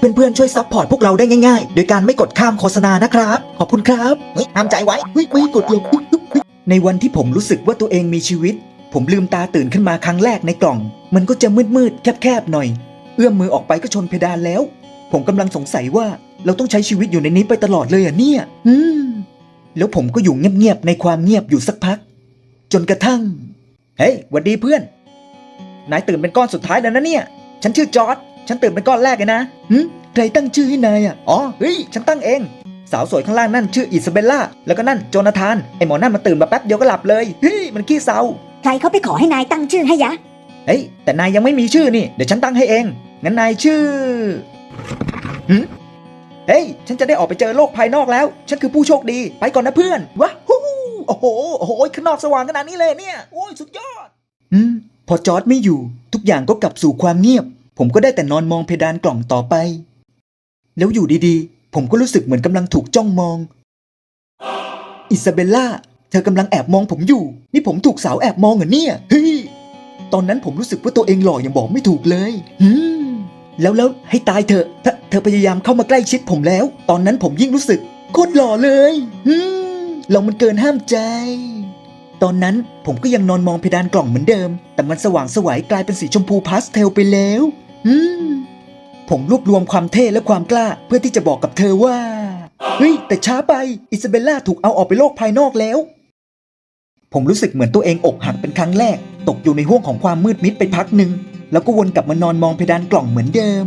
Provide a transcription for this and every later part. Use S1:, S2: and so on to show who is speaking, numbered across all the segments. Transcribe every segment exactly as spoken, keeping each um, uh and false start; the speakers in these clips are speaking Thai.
S1: เพื่อนๆช่วยซัพพอร์ตพวกเราได้ง่ายๆโดยการไม่กดข้ามโฆษณานะครับขอบคุณครับเฮ้ยห้ามใจไว้เฮ้ยไม่กดลงในวันที่ผมรู้สึกว่าตัวเองมีชีวิตผมลืมตาตื่นขึ้นมาครั้งแรกในกล่องมันก็จะมืดๆแคบๆหน่อยเอื้อมมือออกไปก็ชนเพดานแล้วผมกำลังสงสัยว่าเราต้องใช้ชีวิตอยู่ในนี้ไปตลอดเลยอ่ะเนี่ยอืมแล้วผมก็อยู่เงียบๆในความเงียบอยู่สักพักจนกระทั่งเฮ้ยหวัดดีเพื่อนนายตื่นเป็นก้อนสุดท้ายแล้วนะเนี่ยฉันชื่อจอร์จฉันตื่นเป็นก้อนแรกเลยนะหึใครตั้งชื่อให้นายอ่ะอ๋อเฮ้ยฉันตั้งเองสาวสวยข้างล่างนั่นชื่ออิซาเบลล่าแล้วก็นั่นโจนาธานไอหมอนั่นมาตื่นมาแป๊บเดียวก็หลับเลยเฮ้ยมันขี้เศร้า
S2: ใครเขาไปขอให้นายตั้งชื่อให้ยะ
S1: เฮ้ยแต่นายยังไม่มีชื่อนี่เดี๋ยวฉันตั้งให้เองงั้นนายชื่อหึเฮ้ยฉันจะได้ออกไปเจอโลกภายนอกแล้วฉันคือผู้โชคดีไปก่อนนะเพื่อนว้าฮู้โอ้โหโอ้โหข้างนอกสว่างขนาดนี้เลยเนี่ยโอ้ยสุดยอดอืมพอจอร์จไม่อยู่ทุกอย่างก็กลับสู่ความเงียบผมก็ได้แต่นอนมองเพดานกล่องต่อไปแล้วอยู่ดีๆผมก็รู้สึกเหมือนกำลังถูกจ้องมองอิซาเบลล่าเธอกำลังแอบมองผมอยู่นี่ผมถูกสาวแอบมองเหรอเนี่ยเฮ้ยตอนนั้นผมรู้สึกว่าตัวเองหล่ออย่างบอกไม่ถูกเลยอืมแล้วแล้วให้ตายเถอะเธอเธอพยายามเข้ามาใกล้ชิดผมแล้วตอนนั้นผมยิ่งรู้สึกโคตรหล่อเลยอืมเรามันเกินห้ามใจตอนนั้นผมก็ยังนอนมองเพดานกล่องเหมือนเดิมแต่มันสว่างไสวกลายเป็นสีชมพูพาสเทลไปแล้วอืมผมรวบรวมความเท่และความกล้าเพื่อที่จะบอกกับเธอว่าเฮ้ยแต่ช้าไปอิซาเบลล่าถูกเอาออกไปโลกภายนอกแล้วผมรู้สึกเหมือนตัวเองอกหักเป็นครั้งแรกตกอยู่ในห้วงของความมืดมิดไปพักหนึ่งแล้วก็วนกลับมานอนมองเพดานกล่องเหมือนเดิม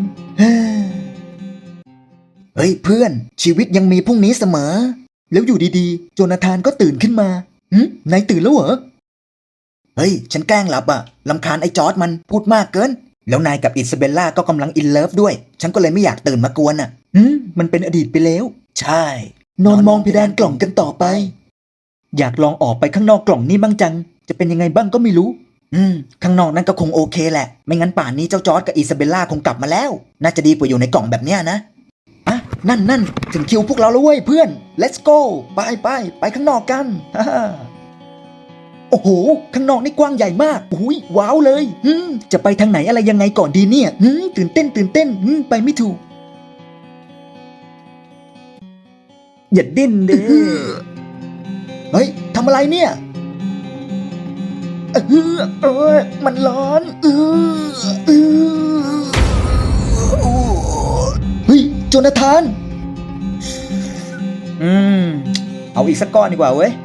S1: เฮ้ยเพื่อนชีวิตยังมีพรุ่งนี้เสมอแล้วอยู่ดีๆโจนาธานก็ตื่นขึ้นมาหืมนายตื่นแล้วเหรอเฮ้ยฉันแกล้งหลับอะรำคาญไอ้จอร์จมันพูดมากเกินแล้วนายกับอิซาเบลล่าก็กำลังอินเลิฟด้วยฉันก็เลยไม่อยากตื่นมากวนอะหืมมันเป็นอดีตไปแล้วใช่นอนมองเพดานกล่องกันต่อไปอยากลองออกไปข้างนอกกล่องนี่บ้างจังจะเป็นยังไงบ้างก็ไม่รู้อืมข้างนอกนั้นก็คงโอเคแหละไม่งั้นป่านนี้เจ้าจอร์จกับอิซาเบลล่าคงกลับมาแล้วน่าจะดีกว่าอยู่ในกล่องแบบเนี้ยนะอ่ะนั่นนั่นถึงคิวพวกเราแล้วเว้ยเพื่อน let's go ไปไปไปข้างนอกกันฮ่าโอ้โหข้างนอกนี่กว้างใหญ่มากอุ้ยว้าวเลยอืมจะไปทางไหนอะไรยังไงก่อนดีเนี่ยอืมตื่นเต้นตื่นเต้นอืมไปไม่ถูกอย่าดิ้นเด้เฮ้ยทำอะไรเนี่ยเออเออมันร้อนเออเออเฮ้ยโจนาธานอืมเอาอีกสักก้อนดีกว่าเว้ย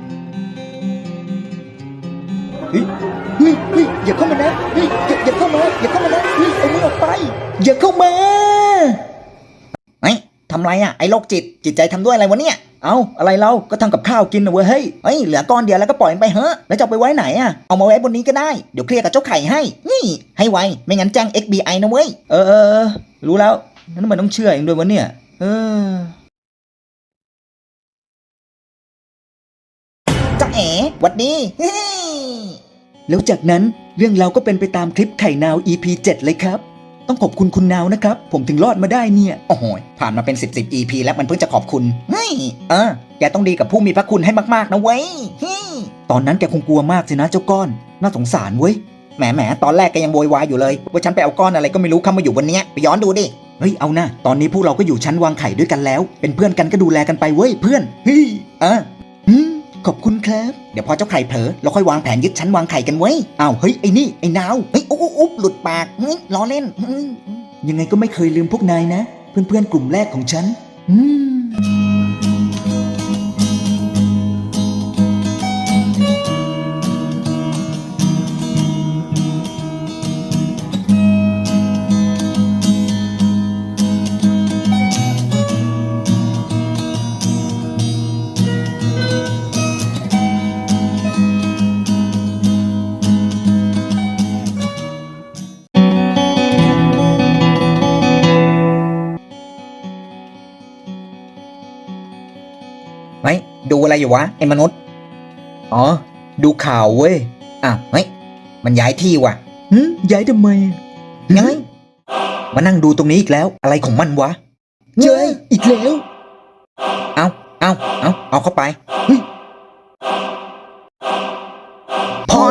S1: เฮ้ยเฮ้ยเฮ้ยอย่าเข้ามานะเฮ้ยอย่าอย่าเข้ามาอย่าเข้ามานะเฮ้ยเอามือออกไปอย่าเข้ามาเฮ้ยทำไรอ่ะไอ้โรคจิตจิตใจทำด้วยอะไรวะเนี่ยเอาอะไรเราก็ทำกับข้าวกินนะเว้ยเฮ้ยเฮ้ยเหลือก้อนเดียวแล้วก็ปล่อยมันไปเฮ้แล้วจะเอาไปไว้ไหนอ่ะเอามาไว้บนนี้ก็ได้เดี๋ยวเคลียร์กับเจ้าไข่ให้นี่ให้ไวไม่งั้นแจ้ง เอ็กซ์ บี ไอ นะเว้ยเออเออรู้แล้วนั่นมันต้องเชื่อเองด้วยวะเนี่ยเออจ้าเอ๋หวัดดีแล้วจากนั้นเรื่องเราก็เป็นไปตามคลิปไข่นาว อี พี เจ็ดเลยครับต้องขอบคุณคุณนาวนะครับผมถึงรอดมาได้เนี่ยโอ้โหผ่านมาเป็นสิบสิบ อี พี แล้วมันเพิ่งจะขอบคุณเฮ้ยเออแกต้องดีกับผู้มีพระคุณให้มากๆนะเว้ยตอนนั้นแกคงกลัวมากสินะเจ้าก้อนน่าสงสารเว้ยแหมแหมตอนแรกแกยังโวยวายอยู่เลยว่าฉันไปเอาก้อนอะไรก็ไม่รู้เข้ามาอยู่บนเนี้ยไปย้อนดูดิเฮ้ยเอานะตอนนี้พวกเราก็อยู่ชั้นวางไข่ด้วยกันแล้วเป็นเพื่อนกันก็ดูแลกันไปเว้ยเพื่อนเฮ้ยเอออืมขอบคุณครับเดี๋ยวพอเจ้าไข่เผลอเราค่อยวางแผนยึดชั้นวางไข่กันไว้อ้าวเฮ้ยไอ้นี่ไอ้นาวเฮ้ยอุ๊บอุ๊บหลุดปากเฮ้ยล้อเล่นยังไงก็ไม่เคยลืมพวกนายนะเพื่อนๆกลุ่มแรกของฉันอืมเฮ้ยดูอะไรอยู่วะไอ้มนุษย์อ๋อดูข่าวเว้ยอ้าวเฮ้ยมันย้ายที่ว่ะหืมย้ายทำไมยังไงมานั่งดูตรงนี้อีกแล้วอะไรของมันวะเจ้ยอีกแล้วเอาเอาเอาเอาเข้าไปเฮ้ยพอแล้ว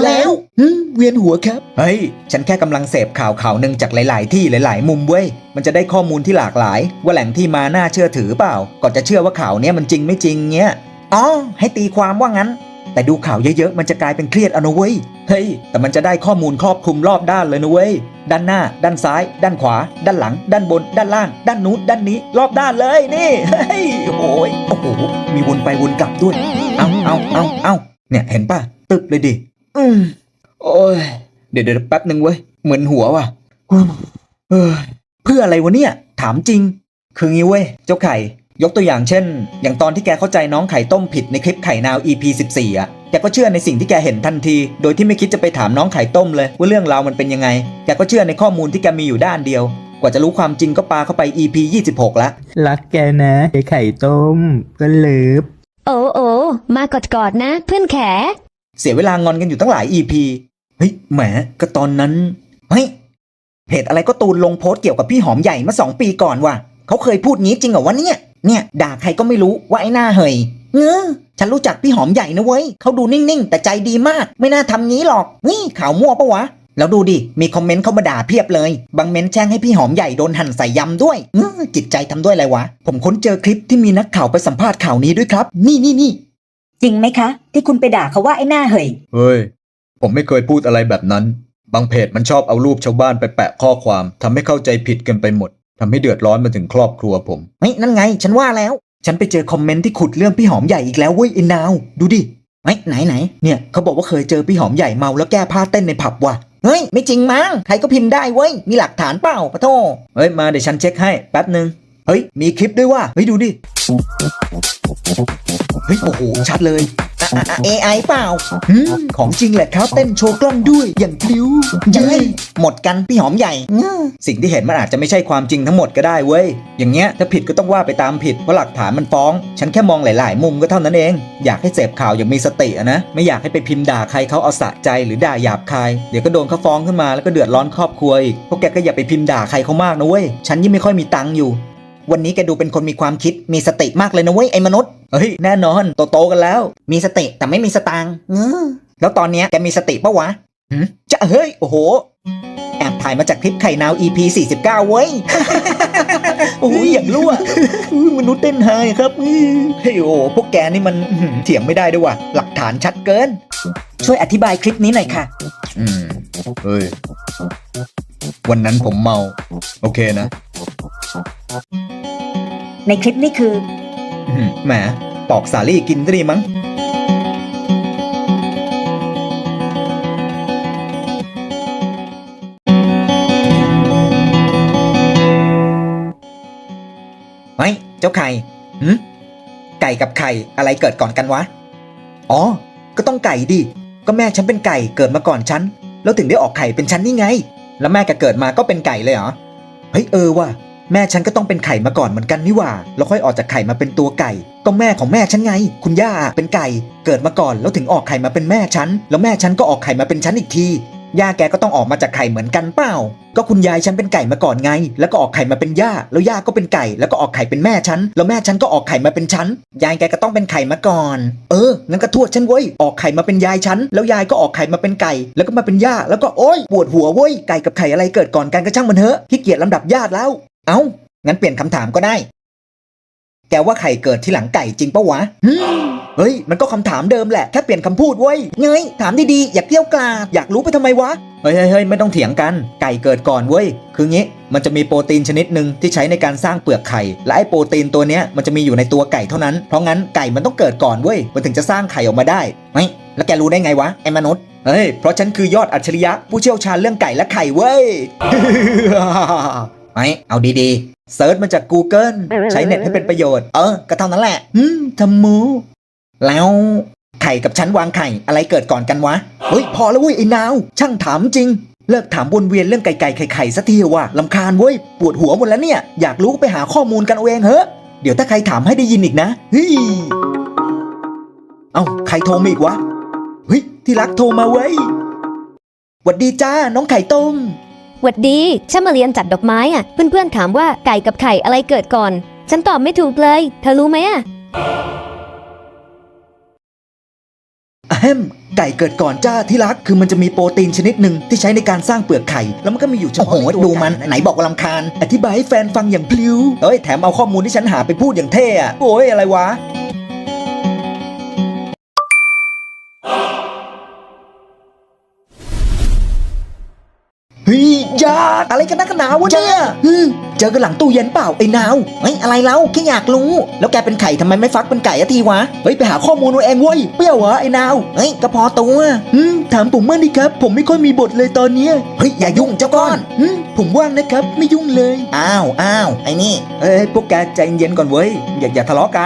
S1: ฮึเวียนหัวครับเฮ้ยฉันแค่กำลังเสพข่าวข่าวหนึ่งจากหลายๆที่หลายๆมุมเว้ยมันจะได้ข้อมูลที่หลากหลายว่าแหล่งที่มาน่าเชื่อถือเปล่าก่อนจะเชื่อว่าข่าวเนี้ยมันจริงไม่จริงเงี้ยอ๋อให้ตีความว่างั้นแต่ดูข่าวเยอะๆมันจะกลายเป็นเครียดเอานะเว้ยเฮ้ยแต่มันจะได้ข้อมูลครอบคลุมรอบด้านเลยนะเว้ยด้านหน้าด้านซ้ายด้านขวาด้านหลังด้านบนด้านล่างด้านนู้นด้านนี้รอบด้านเลยนี่เฮ้ยโอ้ยโอ้โหมีวนไปวนกลับด้วยเอาเอาเอาเอาเนี่ยเห็นป่ะตึกเลยดิอืมโอ้ยเดี๋ยวเดี๋ยวแป๊บหนึ่งเว้ยเหมือนหัวว่ะเออเพื่ออะไรวะเนี่ยถามจริงคืองี้เว้ยเจ้าไข่ยกตัวอย่างเช่นอย่างตอนที่แกเข้าใจน้องไข่ต้มผิดในคลิปไข่นาว อี พี สิบสี่ อ่ะแกก็เชื่อในสิ่งที่แกเห็นทันทีโดยที่ไม่คิดจะไปถามน้องไข่ต้มเลยว่าเรื่องราวมันเป็นยังไงแกก็เชื่อในข้อมูลที่แกมีอยู่ด้านเดียวกว่าจะรู้ความจริงก็ปาเข้าไป อี พี ยี่สิบหกละ
S3: รักแกนะไอ้ไข่ต้มก็เลิฟ
S4: โอ้โอ้มากอดกอดนะเพื่อนแข
S1: เสียเวลางอนกันอยู่ตั้งหลาย อี พี เฮ้ยแหมก็ตอนนั้นเฮ้ยเพจอะไรก็ตูนลงโพสต์เกี่ยวกับพี่หอมใหญ่เมื่อสองปีก่อนว่ะเขาเคยพูดงี้จริงเหรอวะเนี่ยเนี่ยด่าใครก็ไม่รู้ว่าไอ้หน้าเหยเงอฉันรู้จักพี่หอมใหญ่นะเว้ยเขาดูนิ่งๆแต่ใจดีมากไม่น่าทำงี้หรอกนี่ข่าวมั่วปะวะแล้วดูดิมีคอมเมนต์เข้ามาด่าเพียบเลยบางเมนต์แช่งให้พี่หอมใหญ่โดนหั่นใส่ยำด้วยเงอจิตใจทำด้วยอะไรวะผมค้นเจอคลิปที่มีนักข่าวไปสัมภาษณ์ข่าวนี้ด้วยครับนี่นี่นี่
S2: จริงไหมคะที่คุณไปด่าเขาว่าไอ้หน้าเหย
S5: เฮ้ยผมไม่เคยพูดอะไรแบบนั้นบางเพจมันชอบเอารูปชาวบ้านไปแปะข้อความทำให้เข้าใจผิดกันไปหมดทำให้เดือดร้อนมาถึงครอบครัวผม
S1: เฮ้ยนั่นไงฉันว่าแล้วฉันไปเจอคอมเมนต์ที่ขุดเรื่องพี่หอมใหญ่อีกแล้วเว้ยไอ้นาวดูดิเฮ้ยไหนไหนเนี่ยเขาบอกว่าเคยเจอพี่หอมใหญ่เมาแล้วแก้ผ้าเต้นในผับว่ะเฮ้ยไม่จริงมั้งใครก็พิมพ์ได้เว้ยมีหลักฐานเปล่าปะโธ่เฮ้ยมาเดี๋ยวฉันเช็คให้แป๊บนึงเฮ้ยมีคลิปด้วยว่ะเฮ้ยดูดิเฮ้ยโอ้โหชัดเลยเอไอเปล่าของจริงแหละครับเต้นโชว์กล้องด้วยอย่างพลิ้วเย้ยหมดกันพี่หอมใหญ่สิ่งที่เห็นมันอาจจะไม่ใช่ความจริงทั้งหมดก็ได้เว้ยอย่างเงี้ยถ้าผิดก็ต้องว่าไปตามผิดเพราะหลักฐานมันฟ้องฉันแค่มองหลายๆมุมก็เท่านั้นเองอยากให้เสพข่าวอย่างมีสติอะนะไม่อยากให้ไปพิมพ์ด่าใครเขาเอาสะใจหรือด่าหยาบคายเดี๋ยวก็โดนเขาฟ้องขึ้นมาแล้วก็เดือดร้อนครอบครัวอีกพวกแกก็อย่าไปพิมพ์ด่าใครเขามากนะเว้ยฉันยิ่งไม่ค่อยมีตังค์อยู่วันนี้แกดูเป็นคนมีความคิดมีสติมากเลยนะเว้ยไอ้มนุษย์เฮ้ยแน่นอนโตๆกันแล้วมีสติแต่ไม่มีสตางค์แล้วตอนเนี้ยแกมีสติปะวะจะเฮ้ยโอ้โหแอบถ่ายมาจากคลิปไข่นาว อี พี สี่สิบเก้าเว้ย โอ้ยอย่างรั่วมนุษย์เต้นไฮครับเฮ้ยโอ้พวกแกนี่มันเถียงไม่ได้ด้วยว่ะหลักฐานชัดเกิน
S2: ช่วยอธิบายคลิปนี้หน่อยค่ะ
S5: อืมเฮ้ยวันนั้นผมเมาโอเคนะ
S2: ในคลิปนี้คือ
S1: แหมปอกสาลี่กินก็ดีมั้งเฮ้ยเจ้าไข่หืมไก่กับไข่อะไรเกิดก่อนกันวะอ๋อก็ต้องไก่ดิก็แม่ฉันเป็นไก่เกิดมาก่อนฉันแล้วถึงได้ออกไข่เป็นฉันนี่ไงแล้วแม่แกเกิดมาก็เป็นไก่เลยเหรอเฮ้ยเออว่ะแม่ฉันก็ต้องเป็นไข่มาก่อนเหมือนกันนี่หว่าแล้วค่อยออกจากไข่มาเป็นตัวไก่ก็แม่ของแม่ฉันไงคุณย่าเป็นไก่เกิดมาก่อนแล้วถึงออกไข่มาเป็นแม่ฉันแล้วแม่ฉันก็ออกไข่มาเป็นฉันอีกทีย่าแกก็ต้องออกมาจากไข่เหมือนกันเปล่าก็คุณยายฉันเป็นไก่มาก่อนไงแล้วก็ออกไข่มาเป็นย่าแล้วย่าก็เป็นไก่แล้วก็ออกไข่เป็นแม่ฉันแล้วแม่ฉันก็ออกไข่มาเป็นฉันยายแกก็ต้องเป็นไข่มาก่อนเอองั้นก็ทวดฉันเว้ยออกไข่มาเป็นยายฉันแล้วยายก็ออกไข่มาเป็นไก่แล้วก็มาเป็นย่าแล้วก็โอ๊ยปวดหัวเว้ยไก่กับไข่อะไรเกิดก่อนกันก็ช่างมันเถอะขี้เกียจลำดับญาติแล้วเอ้างั้นเปลี่ยนคำถามก็ได้แกว่าไข่เกิดที่หลังไก่จริงปะวะเฮ้ยมันก็คำถามเดิมแหละแค่เปลี่ยนคำพูดเว้ยเงยถามดีๆอย่าเกลี้ยวกล่อมอยากรู้ไปทำไมวะเฮ้ยเฮ้ยไม่ต้องเถียงกันไก่เกิดก่อนเว้ยคืองี้มันจะมีโปรตีนชนิดหนึ่งที่ใช้ในการสร้างเปลือกไข่และไอ้โปรตีนตัวเนี้ยมันจะมีอยู่ในตัวไก่เท่านั้นเพราะงั้นไก่มันต้องเกิดก่อนเว้ยมันถึงจะสร้างไข่ออกมาได้ไหมแล้วแกรู้ได้ไงวะไอ้มนุษย์เฮ้ยเพราะฉันคือยอดอัจฉริยะผู้เชี่ยวชาญเรื่องไก่และไข่เว้ย ไหมเอาดีๆเซิร์ชมาจาก Google ใช้เน็ตให้เป็นประโยชน์เออก็เท่านั้นแหละอืมทำมูแล้วไข่กับฉันวางไข่อะไรเกิดก่อนกันวะเฮ้ยพอแล้วเว้ยไอ้นาวช่างถามจริงเลิกถามวนเวียนเรื่องไก่ไก่ไข่ไข่สักทีว่ะลำคาญเว้ยปวดหัวหมดแล้วเนี่ยอยากรู้ไปหาข้อมูลกันเอาเองเฮ้เดี๋ยวถ้าใครถามให้ได้ยินอีกนะเฮ้ยเอ้าใครโทรมาอีกวะเฮ้ยที่รักโทรมาเว้ยหวัดดีจ้าน้องไข่ต้ม
S4: หวัดดีฉันมาเรียนจัดดอกไม้อ่ะเพื่อนๆถามว่าไก่กับไข่อะไรเกิดก่อนฉันตอบไม่ถูกเลยเธอรู้ไหมอ่ะ
S1: อะแฮมไก่เกิดก่อนจ้าที่รักคือมันจะมีโปรตีนชนิดหนึ่งที่ใช้ในการสร้างเปลือกไข่แล้วมันก็มีอยู่เฉ
S6: โอ้โห
S1: พาะในตัว
S6: ดูมัน
S1: ไก่ะ
S6: ไหนบอกว่าลำคาญ
S1: อธิบายให้แฟนฟังอย่างพลิ้วเอ้ยแถมเอาข้อมูลที่ฉันหาไปพูดอย่างเท่อะโอ้ยอะไรวะเฮ้ยยาอะไรกันนักหนาวะเนี่ยฮึเจอกันหลังตู้เย็นเปล่าไอ้นาว
S6: เฮ้ยอะไรเล่าแค่อยากรู้ แล้วแกเป็นไข่ทำไมไม่ฟักเป็นไก่อะทีวะ
S1: เฮ้ยไปหาข้อมูลเอาเองเว้ยเปรี้ยวเหรอไอ้นาว
S6: เฮ้ยก็พอตัว
S1: อืมถามผมมั่งดิครับ ผมไม่ค่อยมีบทเลยตอนเนี้ย
S6: เฮ้ยอย่ายุ่งเจ้าก้อน
S1: อืมผมว่างนะครับไม่ยุ่งเลย
S6: อ้าวอ้าวไอ้นี่
S1: เอ้ยพวกแกใจเย็นก่อนเว้ยอย่าอย่าทะเลาะกัน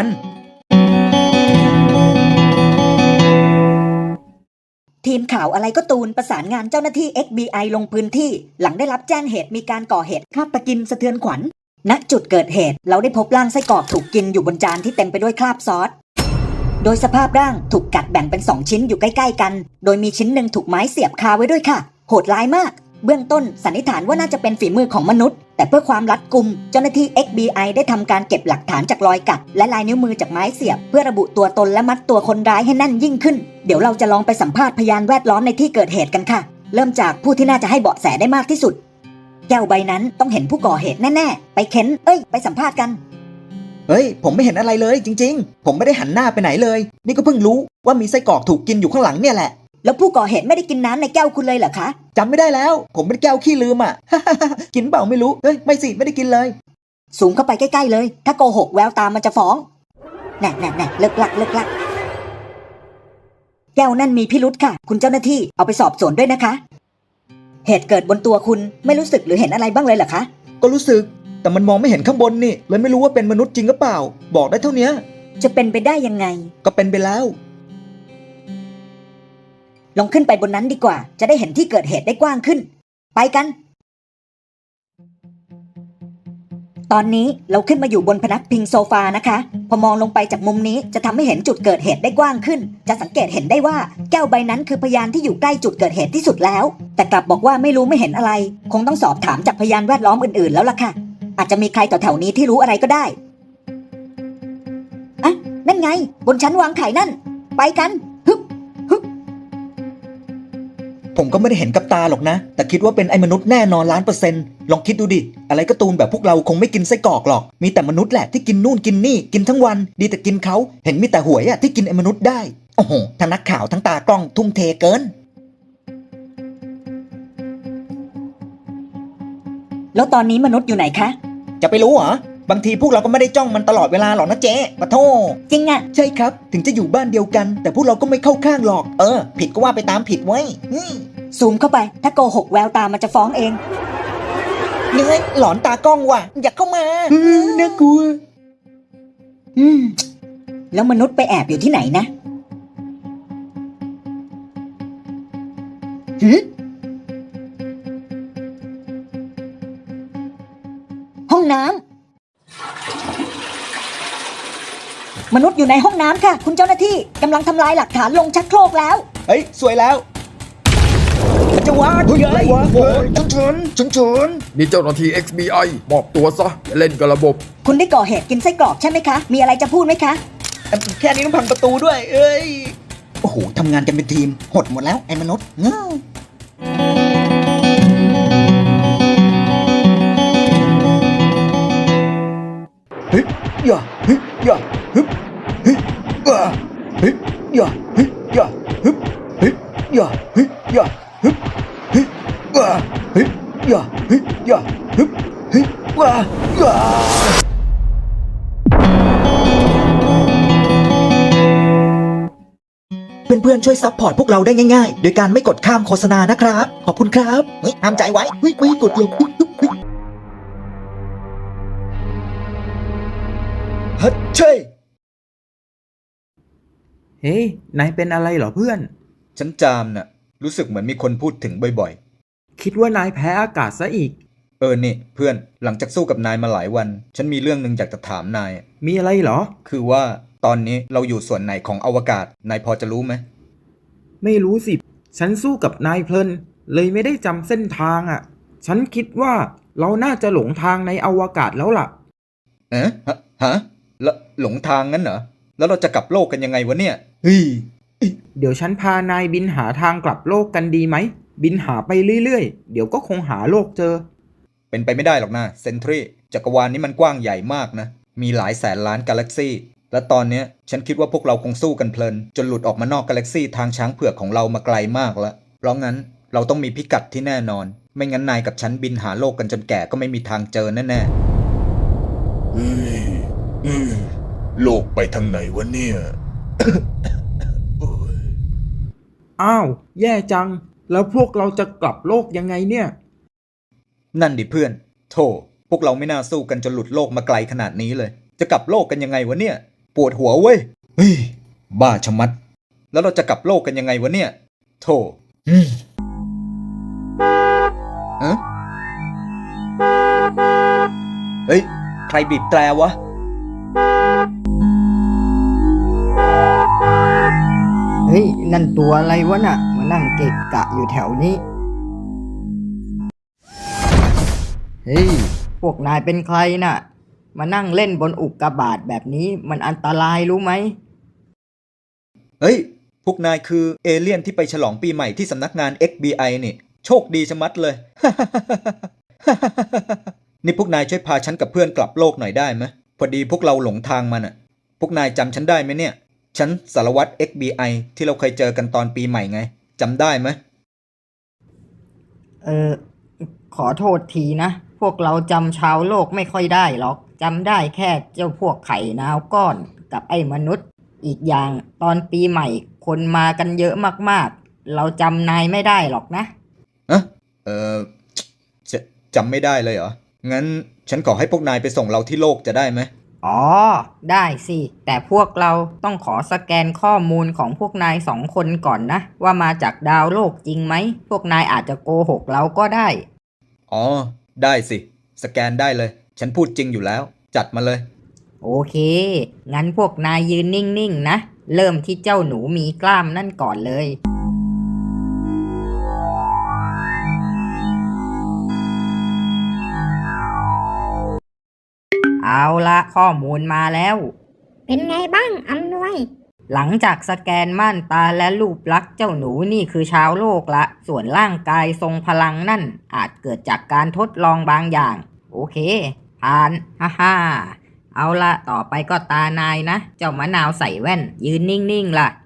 S2: ทีมข่าวอะไรก็ตูนประสานงานเจ้าหน้าที่ เอ็กซ์ บี ไอ ลงพื้นที่ หลังได้รับแจ้งเหตุมีการก่อเหตุฆาตกินสะเทือนขวัญ ณ จุดเกิดเหตุเราได้พบร่างไส้กรอกถูกกินอยู่บนจานที่เต็มไปด้วยคราบซอส โดยสภาพร่างถูกกัดแบ่งเป็นสองชิ้นอยู่ใกล้ๆกัน โดยมีชิ้นหนึ่งถูกไม้เสียบคาไว้ด้วยค่ะ โหดร้ายมาก เบื้องต้นสันนิษฐานว่าน่าจะเป็นฝีมือของมนุษย์ แต่เพื่อความรัดกุมเจ้าหน้าที่ เอ็กซ์ บี ไอ ได้ทำการเก็บหลักฐานจากรอยกัดและลายนิ้วมือจากไม้เสียบ เพื่อระบุตัวตนและมัดตัวคนร้ายให้แน่นยิ่งขึ้น เดี๋ยวเราจะลองไปสัมภาษณ์พยานแวดล้อมในที่เกิดเหตุกันค่ะ เริ่มจากผู้ที่น่าจะให้เบาะแสได้มากที่สุด แก้วใบนั้นต้องเห็นผู้ก่อเหตุแน่ๆไปเค้นเอ้ยไปสัมภาษณ์กัน
S1: เฮ้ยผมไม่เห็นอะไรเลยจริงๆ ผมไม่ได้หันหน้าไปไหนเลย นี่ก็เพิ่งรู้ว่ามีไส้กรอกถูกกินอยู่ข้างหลังเนี่ยแหละ
S2: แล้วผู้ก่อเหตุไม่ได้กินน้ำในแก้วคุณเลยเหรอคะ
S1: จำไม่ได้แล้ว ผมเป็นแก้วขี้ลืมอ่ะ กินเปล่าไม่รู้เฮ้ยไม่สิไม่ได้กินเลย
S2: สูงเข้าไปใกล้ๆเลย ถ้าโกหกแววตามันจะฟ้องแน่แน่แน่เลิกลักเลิกลักแก้วนั่นมีพิรุธค่ะ คุณเจ้าหน้าที่เอาไปสอบสวนด้วยนะคะ เหตุเกิดบนตัวคุณไม่รู้สึกหรือเห็นอะไรบ้างเลยเหรอคะ
S1: ก็รู้สึกแต่มันมองไม่เห็นข้างบนนี่เลยไม่รู้ว่าเป็นมนุษย์จริงหรือเปล่า บอกได้เท่านี้
S2: จะเป็นไปได้ยังไง
S1: ก็เป็นไปแล้ว
S2: ลองขึ้นไปบนนั้นดีกว่า จะได้เห็นที่เกิดเหตุได้กว้างขึ้น ไปกัน ตอนนี้เราขึ้นมาอยู่บนพนักพิงโซฟานะคะ พอมองลงไปจากมุมนี้จะทำให้เห็นจุดเกิดเหตุได้กว้างขึ้น จะสังเกตเห็นได้ว่าแก้วใบนั้นคือพยานที่อยู่ใกล้จุดเกิดเหตุที่สุดแล้ว แต่กลับบอกว่าไม่รู้ไม่เห็นอะไร คงต้องสอบถามจากพยานแวดล้อมอื่นๆแล้วล่ะค่ะ อาจจะมีใครต่อแถวนี้ที่รู้อะไรก็ได้อะนั่นไง บนชั้นวางไข่นั่น ไปกันฮึบ
S1: ผมก็ไม่ได้เห็นกับตาหรอกนะ แต่คิดว่าเป็นไอ้มนุษย์แน่นอนล้านเปอร์เซ็นต์ลองคิดดูดิ อะไรการ์ตูนแบบพวกเราคงไม่กินไส้กรอกหรอก มีแต่มนุษย์แหละที่กินนู่นกินนี่กินทั้งวัน ดีแต่กินเขาเห็นมีแต่หวยอะที่กินไอ้มนุษย์ได้ โอ้โห ทั้งนักข่าวทั้งตากล้องทุ่มเทเกิน
S2: แล้วตอนนี้มนุษย์อยู่ไหนคะ
S1: จะไปรู้เหรอ บางทีพวกเราก็ไม่ได้จ้องมันตลอดเวลาหรอกนะเจ๊ปะโท
S2: จริงอะ
S1: ใช่ครับ ถึงจะอยู่บ้านเดียวกัน แต่พวกเราก็ไม่เข้าข้างหรอก
S6: เออ ผิดก็ว่าไปตามผิดไว้ยอืม
S2: ซูมเข้าไป ถ้าโกหกแววตามันจะฟ้องเอง
S6: เหนื่อยหลอนตากล้องว่ะ อยากเข้ามา
S1: อืมน่ากลัว
S2: อืม แล้วมนุษย์ไปแอบอยู่ที่ไหนนะหืมห้องน้ำมนุษย์อยู่ในห้องน้ำค่ะ คุณเจ้าหน้าที่กำลังทำลายหลักฐานลงชักโครกแล้ว
S1: เฮ้ย สวยแล้วมันจะวาดเฮ้ยโอ้โหชุนชุนชุนชุน
S7: นี่เจ้าหน้าที่ เอ็กซ์ บี ไอ มอบตัวซะอย่าเล่นกับระบบ
S2: คุณได้ก่อเหตุกินไส้กรอกใช่ไหมคะ มีอะไรจะพูดไหมคะ
S1: แค่นี้ต้องพังประตูด้วย เอ้ย
S6: โอ้โหทำงานกันเป็นทีม หดหมดแล้วไอ้มนุษย์เงา
S1: เฮ้ยอย่าเฮ้ยอย่าฮึบเฮ้ยอ่าเฮ้ยอย่าเฮ้ยอย่าฮึบเฮ้ยอย่าเฮ้ยอย่าฮึบเฮ้ยอ่าเฮ้ยอย่าเฮ้ยอย่าฮึบเฮ้ยอ่าอ่าเพื่อนๆช่วยซัพพอร์ตพวกเราได้ง่ายๆ โดยการไม่กดข้ามโฆษณานะครับ ขอบคุณครับ
S6: เฮ้ยห้ามใจไว้
S1: เฮ้ยไม่กดลงเฮ้ยเฮ้ยเฮ้ยฮัทเช่
S3: เฮ้ยนายเป็นอะไรเหรอเพื่อน
S5: ฉันจามน่ะ รู้สึกเหมือนมีคนพูดถึงบ่อย
S3: คิดว่านายแพ้อากาศซะอีก
S5: ๆ เออนี่เพื่อนหลังจากสู้กับนายมาหลายวัน ฉันมีเรื่องหนึ่งอยากจะถามนาย
S3: มีอะไรเหรอ
S5: คือว่าตอนนี้เราอยู่ส่วนไหนของอวกาศ นายพอจะรู้ไหม
S3: ไม่รู้สิ ฉันสู้กับนายเพลิน เลยไม่ได้จำเส้นทางอ่ะ ฉันคิดว่าเราน่าจะหลงทางในอวกาศแล้วล่ะ
S5: เอ๊ะฮะฮะแล้วหลงทางงั้นเหรอ แล้วเราจะกลับโลกกันยังไงวะเนี่ย
S1: เฮ้ย
S3: เดี๋ยวฉันพานายบินหาทางกลับโลกกันดีไหม บินหาไปเรื่อยๆ เดี๋ยวก็คงหาโลกเจอ
S5: เป็นไปไม่ได้หรอกนะเซนทรีจักรวาลนี้มันกว้างใหญ่มากนะ มีหลายแสนล้านกาแล็กซี่และตอนเนี้ยฉันคิดว่าพวกเราคงสู้กันเพลินจนหลุดออกมานอกกาแล็กซี่ทางช้างเผือกของเรามาไกลมากแล้วเพราะงั้นเราต้องมีพิกัดที่แน่นอน ไม่งั้นนายกับฉันบินหาโลกกันจนแก่ก็ไม่มีทางเจอแน่ๆ
S7: เฮ้ยเฮ้ยโลกไปทางไหนวะเนี่ย
S3: อ้าว แย่จัง แล้วพวกเราจะกลับโลกยังไงเนี่ย
S5: นั่นดิเพื่อนโธ่พวกเราไม่น่าสู้กันจนหลุดโลกมาไกลขนาดนี้เลย จะกลับโลกกันยังไงวะเนี่ย ปวดหัวเว้ย เฮ้ย บ้าชะมัด แล้วเราจะกลับโลกกันยังไงวะเนี่ย โธ่อืมเอ๊ะเฮ้ย ใครบีบแตรวะ
S8: เฮ้ย นั่นตัวอะไรวะน่ะ มานั่งเกะกะอยู่แถวนี้ เฮ้ย พวกนายเป็นใครน่ะ มานั่งเล่นบนอุกกาบาตแบบนี้มันอันตรายรู้ไหม
S5: เฮ้ย พวกนายคือเอเลี่ยนที่ไปฉลองปีใหม่ที่สำนักงาน เอ็กซ์ บี ไอ นี่ โชคดีชะมัดเลย นี่พวกนายช่วยพาฉันกับเพื่อนกลับโลกหน่อยได้ไหมพอดีพวกเราหลงทางมาน่ะ พวกนายจำฉันได้ไหมเนี่ย ฉันสารวัตร เอ็กซ์ บี ไอ ที่เราเคยเจอกันตอนปีใหม่ไงจำได้ไหม
S8: เออ ขอโทษทีนะ พวกเราจำชาวโลกไม่ค่อยได้หรอก จำได้แค่เจ้าพวกไข่นาวก้อนกับไอ้มนุษย์ อีกอย่างตอนปีใหม่คนมากันเยอะมากๆ เราจำนายไม่ได้หรอกนะ
S5: อะเออจะจำไม่ได้เลยเหรอ งั้นฉันขอให้พวกนายไปส่งเราที่โลกจะได้ไหม
S8: อ๋อ ได้สิ แต่พวกเราต้องขอสแกนข้อมูลของพวกนายสองคนก่อนนะ ว่ามาจากดาวโลกจริงไหม พวกนายอาจจะโกหกเราก็ได้
S5: อ๋อ ได้สิ สแกนได้เลย ฉันพูดจริงอยู่แล้ว จัดมาเลย
S8: โอเค งั้นพวกนายยืนนิ่งๆนะ เริ่มที่เจ้าหนูมีกล้ามนั่นก่อนเลย เอาละข้อมูลมาแล้ว
S9: เป็นไงบ้างอำนวย
S8: หลังจากสแกนม่านตาและรูปลักษณ์เจ้าหนูนี่คือชาวโลกละ ส่วนร่างกายทรงพลังนั่นอาจเกิดจากการทดลองบางอย่าง โอเค ผ่าน ฮ่าฮ่าเอาละต่อไปก็ตานายนะ เจ้ามะนาวใส่แว่น ยืนนิ่งๆล่ะ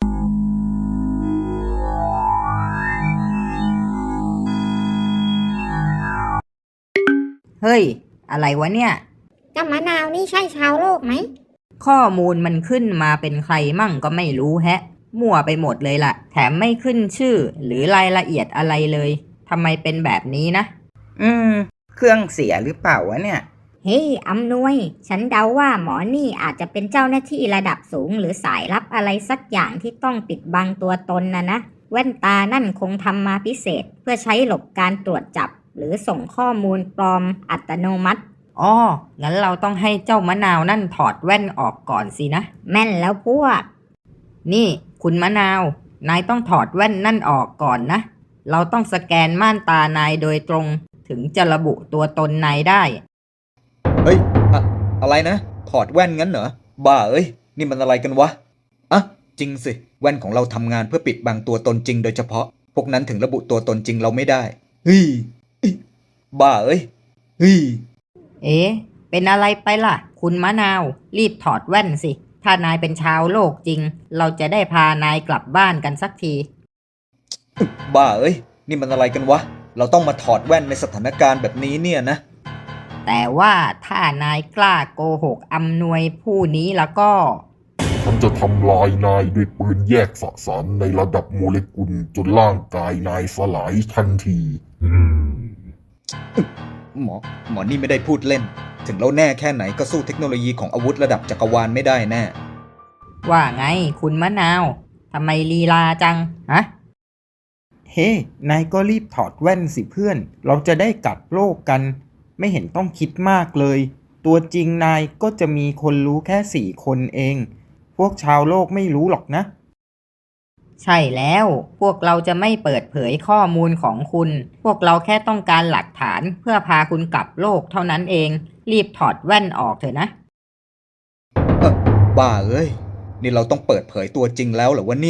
S8: เฮ้ย อะไรวะเนี่ย
S9: เจ้ามะนาวนี่ใช่ชาวโลกไหม
S8: ข้อมูลมันขึ้นมาเป็นใครมั่งก็ไม่รู้แฮะ มั่วไปหมดเลยล่ะ แถมไม่ขึ้นชื่อหรือรายละเอียดอะไรเลยทำไมเป็นแบบนี้นะ
S10: อืม เครื่องเสียหรือเปล่าวะเนี่ย
S9: เฮ้ยอำนวย ฉันเดาว่าหมอนี่อาจจะเป็นเจ้าหน้าที่ระดับสูงหรือสายลับอะไรสักอย่างที่ต้องปิดบังตัวตนนะนะ แว่นตานั่นคงทำมาพิเศษเพื่อใช้หลบการตรวจจับ หรือส่งข้อมูลปลอมอัตโนมัติ
S8: อ๋อ งั้นเราต้องให้เจ้ามะนาวนั่นถอดแว่นออกก่อนสินะ
S9: แม่นแล้วพวก
S8: นี่คุณมะนาว นายต้องถอดแว่นนั่นออกก่อนนะ เราต้องสแกนม่านตานายโดยตรง ถึงจะระบุตัวตนนายได้
S5: เฮ้ยอะอะไรนะ ถอดแว่นงั้นเหรอ บ้าเอ้ย นี่มันอะไรกันวะ อ่ะ จริงสิ แว่นของเราทำงานเพื่อปิดบังตัวตนจริงโดยเฉพาะ พวกนั้นถึงระบุตัวตนจริงเราไม่ได้ เฮ้ยเอ้ยบ้าเอ้ย เฮ้ย
S8: เอ๊ะ เป็นอะไรไปล่ะ คุณมะนาว รีบถอดแว่นสิ ถ้านายเป็นชาวโลกจริง เราจะได้พานายกลับบ้านกันสักที
S5: บ้าเอ้ย นี่มันอะไรกันวะ เราต้องมาถอดแว่นในสถานการณ์แบบนี้เนี่ยนะ
S8: แต่ว่าถ้านายกล้าโกหกอำนวยผู้นี้แล้วก็
S7: ฉันจะทำลายนายด้วยปืนแยกสสารในระดับโมเลกุลจนร่างกายนายสลายทันที อืม
S5: หมอ หมอนี่ไม่ได้พูดเล่น ถึงเราแน่แค่ไหนก็สู้เทคโนโลยีของอาวุธระดับจักรวาลไม่ได้แน่
S8: ว่าไงคุณมะนาว ทำไมลีลาจัง ฮะ
S3: เฮ้ นายก็รีบถอดแว่นสิเพื่อน เราจะได้กลับโลกกัน ไม่เห็นต้องคิดมากเลย ตัวจริงนายก็จะมีคนรู้แค่สี่คนเอง พวกชาวโลกไม่รู้หรอกนะ
S8: ใช่แล้ว พวกเราจะไม่เปิดเผยข้อมูลของคุณ พวกเราแค่ต้องการหลักฐานเพื่อพาคุณกลับโลกเท่านั้นเอง รีบถอดแว่นออกเถอะนะ
S5: เออบ้าเอ้ย นี่เราต้องเปิดเผยตัวจริงแล้วเหรอวะเนี่ย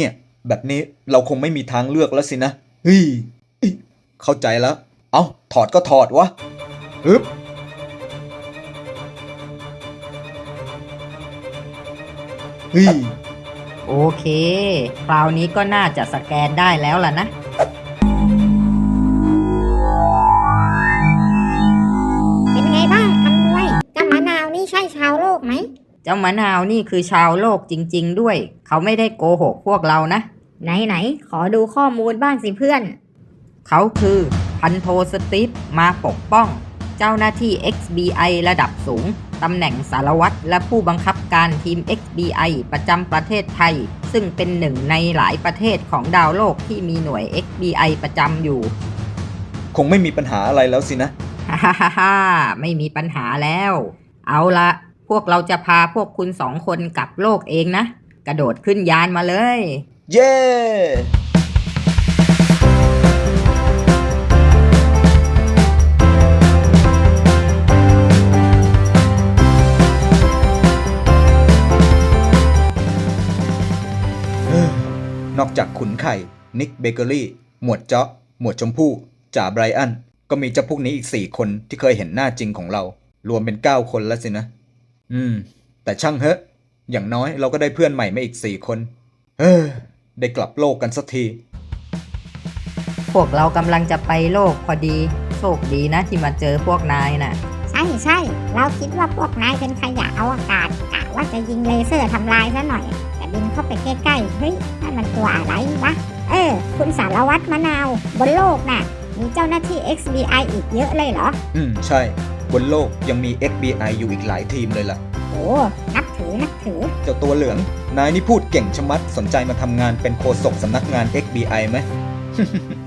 S5: แบบนี้เราคงไม่มีทางเลือกแล้วสินะเฮ้ยอิ๊ะเข้าใจแล้ว เอาถอดก็ถอดวะฮึบเฮ้ย
S8: โอเค คราวนี้ก็น่าจะสแกนได้แล้วล่ะนะ
S9: เป็นไงบ้างอำนวยเจ้ามะนาวนี่ใช่ชาวโลกไหม
S8: เจ้ามะนาวนี่คือชาวโลกจริงๆด้วย เขาไม่ได้โกหกพวกเรานะ
S9: ไหนไหนขอดูข้อมูลบ้างสิเพื่อน
S8: เขาคือพันโทสตีฟมาปกป้อง เจ้าหน้าที่ เอ็กซ์ บี ไอ ระดับสูง ตำแหน่งสารวัตรและผู้บังคับการทีม เอ็กซ์ บี ไอ ประจำประเทศไทย ซึ่งเป็นหนึ่งในหลายประเทศของดาวโลกที่มีหน่วย เอ็กซ์ บี ไอ ประจำอยู่
S5: คงไม่มีปัญหาอะไรแล้วสินะ
S8: ฮ่าฮ่าฮ่าฮ่าไม่มีปัญหาแล้ว เอาละพวกเราจะพาพวกคุณสองคนกลับโลกเองนะ กระโดดขึ้นยานมาเลย
S5: เย้ นอกจากขุนไข่ นิกเบเกอรี่ หมวดเจาะ หมวดชมพู่ จ่าไบรอัน ก็มีเจ้าพวกนี้อีกสี่คนที่เคยเห็นหน้าจริงของเรา รวมเป็นเก้าคนแล้วสินะ อืม แต่ช่างเถอะ อย่างน้อยเราก็ได้เพื่อนใหม่มาอีกสี่คน เฮ้อ ได้กลับโลกกันสักที
S8: พวกเรากำลังจะไปโลกพอดี โชคดีนะที่มาเจอพวกนายน่ะ
S9: ใช่ใช่เราคิดว่าพวกนายเป็นขยะอวกาศกะว่าจะยิงเลเซอร์ทำลายซะหน่อย แต่บินเข้าไปใกล้ๆเฮ้ยนั่นมันตัวอะไรวะ เออ คุณสารวัตรมะนาว บนโลกน่ะ มีเจ้าหน้าที่ เอ็กซ์ บี ไอ อีกเยอะเลยเหรอ
S5: อืม ใช่ บนโลกยังมี เอ็กซ์ บี ไอ อยู่อีกหลายทีมเลยล่ะ
S9: โอ้นับถือนับถือ
S5: เจ้าตัวเหลือง นายนี่พูดเก่งชะมัด สนใจมาทำงานเป็นโฆษกสำนักงาน เอ็กซ์ บี ไอ ไหม